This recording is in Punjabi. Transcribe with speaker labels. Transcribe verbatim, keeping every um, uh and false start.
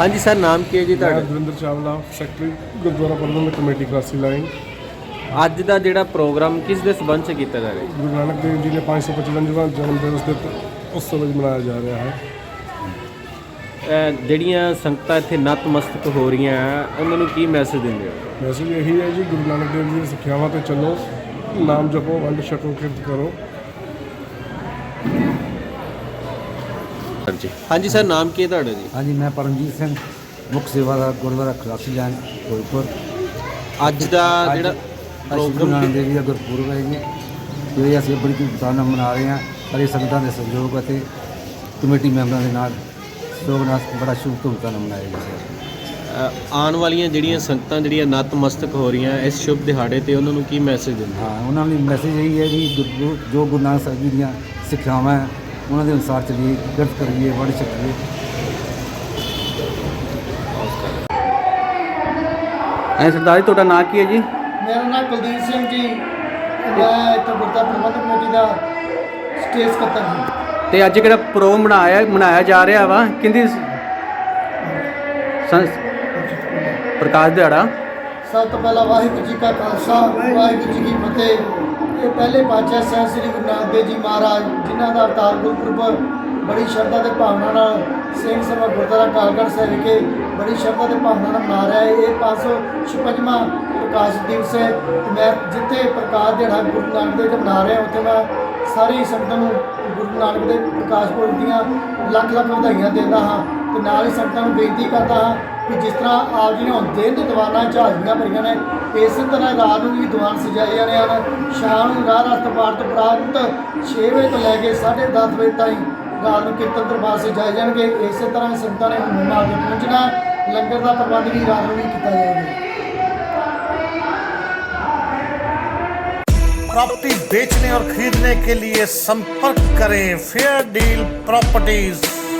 Speaker 1: हाँ जी सर, नाम की है जी
Speaker 2: मैं
Speaker 1: ਤੁਹਾਡਾ?
Speaker 2: ਦਵਿੰਦਰ ਚਾਵਲਾ, ਸੈਕਟਰੀ ਗੁਰਦੁਆਰਾ ਪ੍ਰਬੰਧਕ ਕਮੇਟੀ ਕਲਾਸੀ ਲਾਈਨ।
Speaker 1: ਅੱਜ ਦਾ ਜਿਹੜਾ ਪ੍ਰੋਗਰਾਮ ਕਿਸ ਦੇ ਸਬੰਧ 'ਚ ਕੀਤਾ ਜਾ ਰਿਹਾ ਹੈ?
Speaker 2: ਗੁਰੂ ਨਾਨਕ ਦੇਵ ਜੀ ਨੇ ਪੰਜ ਸੌ ਪਚਵੰਜਵਾਂ ਜਨਮ ਦਿਵਸ ਦੇ ਉਤਸਵ ਅੱਜ ਮਨਾਇਆ ਜਾ ਰਿਹਾ ਹੈ।
Speaker 1: ਅਹ ਜਿਹੜੀਆਂ ਸੰਗਤਾਂ ਇੱਥੇ ਨਤਮਸਤਕ ਹੋ ਰਹੀਆਂ ਹੈ, ਉਹਨਾਂ ਨੂੰ ਕੀ ਮੈਸੇਜ ਦਿੰਦੇ ਹੋ?
Speaker 2: ਮੈਸੇਜ ਇਹੀ ਹੈ ਜੀ, ਗੁਰੂ ਨਾਨਕ ਦੇਵ ਜੀ ਦੀਆਂ ਸਿੱਖਿਆਵਾਂ 'ਤੇ ਚੱਲੋ, ਨਾਮ ਜਪੋ, ਵੰਡ ਛਕੋ, ਕਿਰਤ ਕਰੋ।
Speaker 1: ਹਾਂਜੀ ਹਾਂਜੀ ਸਰ, ਨਾਮ ਕੀ ਹੈ ਤੁਹਾਡਾ ਜੀ?
Speaker 3: हाँ जी, मैं परमजीत सिंह मुख सेवादार गुरुद्वारा खलासी लाइन फिरोजपुर।
Speaker 1: ਅੱਜ ਦਾ ਜਿਹੜਾ
Speaker 3: ਅੱਜ ਗੁਰੂ
Speaker 1: ਪ੍ਰੋਗਰਾਮ
Speaker 3: ਨਾਨਕ ਦੇਵ ਜੀ ਦਾ ਗੁਰਪੁਰਬ ਹੈ ਜੀ, ਜੋ ਅਸੀਂ ਬੜੀ ਧੂਮਧਾਮ ਨਾਲ ਮਨਾ ਰਹੇ ਹਾਂ। ਸਾਰੇ ਸੰਗਤਾਂ ਦੇ ਸਹਿਯੋਗ ਅਤੇ ਕਮੇਟੀ ਮੈਂਬਰਾਂ ਦੇ ਨਾਲ ਸਹਿਯੋਗ ਨਾਲ ਬੜਾ ਸ਼ੁਭ ਧੂਮਧਾਮ ਨਾਲ ਮਨਾਇਆ ਜੀ ਸਰ।
Speaker 1: ਅਹ ਆਉਣ ਵਾਲੀਆਂ ਜਿਹੜੀਆਂ ਸੰਗਤਾਂ ਜਿਹੜੀਆਂ ਨਤਮਸਤਕ ਹੋ ਰਹੀਆਂ ਇਸ ਸ਼ੁਭ ਦਿਹਾੜੇ ਤੇ, ਉਹਨਾਂ ਨੂੰ ਕੀ ਮੈਸੇਜ ਦਿੰਦੇ?
Speaker 3: ਹਾਂ, ਉਹਨਾਂ ਲਈ ਮੈਸੇਜ ਇਹੀ ਹੈ ਜੀ, ਗੁਰੂ ਜੋ ਗੁਰੂ ਨਾਨਕ ਸਾਹਿਬ ਜੀ ਦੀਆਂ ਸਿੱਖਿਆਵਾਂ ਹੈ ਉਹਨਾਂ ਦੇ ਅਨੁਸਾਰ ਚੱਲੀਏ, ਕਿਰਤ ਕਰੀਏ, ਵੰਡ ਛਕੀਏ।
Speaker 1: ਐ ਸਰਦਾਰ ਜੀ, ਤੁਹਾਡਾ ਨਾਂ ਕੀ ਹੈ ਜੀ?
Speaker 4: ਮੇਰਾ ਨਾਮ ਕੁਲਦੀਪ ਸਿੰਘ ਜੀ, ਮੈਂ ਇੱਥੇ ਗੁਰਦੁਆਰਾ ਪ੍ਰਬੰਧਕ ਕਮੇਟੀ ਦਾ ਸਟੇਜ ਸਕੱਤਰ ਹਾਂ।
Speaker 1: ਤੇ ਅੱਜ ਜਿਹੜਾ ਪ੍ਰੋਗਰਾਮ ਮਨਾਇਆ ਮਨਾਇਆ ਜਾ ਰਿਹਾ ਵਾ, ਕਿੰਦੀ ਪ੍ਰਕਾਸ਼ ਦਿਹਾੜਾ?
Speaker 4: ਸਭ ਤੋਂ ਪਹਿਲਾਂ ਵਾਹਿਗੁਰੂ ਜੀ ਕਾ ਖਾਲਸਾ, ਵਾਹਿਗੁਰੂ ਜੀ ਕੀ ਫਤਿਹ। ਇਹ ਪਹਿਲੇ ਪਾਤਸ਼ਾਹ ਸਾਹਿਬ ਸ੍ਰੀ ਗੁਰੂ ਨਾਨਕ ਦੇਵ ਜੀ ਮਹਾਰਾਜ, ਜਿਨ੍ਹਾਂ ਦਾ ਅਵਤਾਰ ਗੁਰਪੁਰਬ ਬੜੀ ਸ਼ਰਧਾ ਤੇ ਭਾਵਨਾ ਨਾਲ ਸਿੰਘ ਸਭਾ ਗੁਰਦੁਆਰਾ ਕਾਲਗੜ੍ਹ ਸਾਹਿਬ ਵਿਖੇ ਬੜੀ ਸ਼ਰਧਾ ਤੇ ਭਾਵਨਾ ਨਾਲ ਮਨਾ ਰਿਹਾ ਹੈ। ਇਹ ਪੰਜ ਸੌ ਛਪੰਜਵਾਂ ਪ੍ਰਕਾਸ਼ ਦਿਵਸ ਹੈ। ਤੇ ਮੈਂ ਜਿੱਥੇ ਪ੍ਰਕਾਸ਼ ਦਿਹਾੜਾ ਗੁਰੂ ਨਾਨਕ ਦੇਵ ਜੀ ਮਨਾ ਰਿਹਾ, ਉੱਥੇ ਮੈਂ ਸਾਰੀ ਸੰਗਤਾਂ ਨੂੰ ਗੁਰੂ ਨਾਨਕ ਦੇਵ ਪ੍ਰਕਾਸ਼ ਪੁਰਬ ਦੀਆਂ ਲੱਖ ਲੱਖ ਵਧਾਈਆਂ ਦਿੰਦਾ ਹਾਂ। ਤੇ ਨਾਲ ਹੀ ਸੰਗਤਾਂ ਨੂੰ ਬੇਨਤੀ ਕਰਦਾ ਹਾਂ ਕਿ ਜਿਸ ਤਰ੍ਹਾਂ ਆਪ ਜੀ ਨੇ ਹੁਣ ਦਿਨ ਦੇ ਦੀਵਾਨਾਂ ਝਾੜੀਆਂ ਭਰੀਆਂ ਨੇ, ਇਸੇ ਤਰ੍ਹਾਂ ਰਾਤ ਨੂੰ ਵੀ ਦੀਵਾਨ ਸਜਾਏ ਜਾਣੇ ਹਨ। ਸ਼ਾਮ ਨੂੰ ਰਾਹ ਰਸਤ ਪਾਠ ਤੋਂ ਉਪਰੰਤ ਛੇ ਵਜੇ ਤੋਂ ਲੈ ਕੇ ਸਾਢੇ ਦਸ ਵਜੇ ਤਾਈਂ ਰਾਤ ਨੂੰ ਕੀਰਤਨ ਦਰਬਾਰ ਸਜਾਏ ਜਾਣਗੇ। ਇਸੇ ਤਰ੍ਹਾਂ ਸੰਗਤਾਂ ਨੇ ਹੁਕਮਾਂ ਦੇ ਪਹੁੰਚਣਾ, ਲੰਗਰ ਦਾ ਪ੍ਰਬੰਧ ਵੀ ਰਾਤ ਨੂੰ ਵੀ ਕੀਤਾ ਜਾਏਗਾ।
Speaker 5: प्रॉपर्टी बेचने और खरीदने के लिए संपर्क करें फेयर डील प्रॉपर्टीज।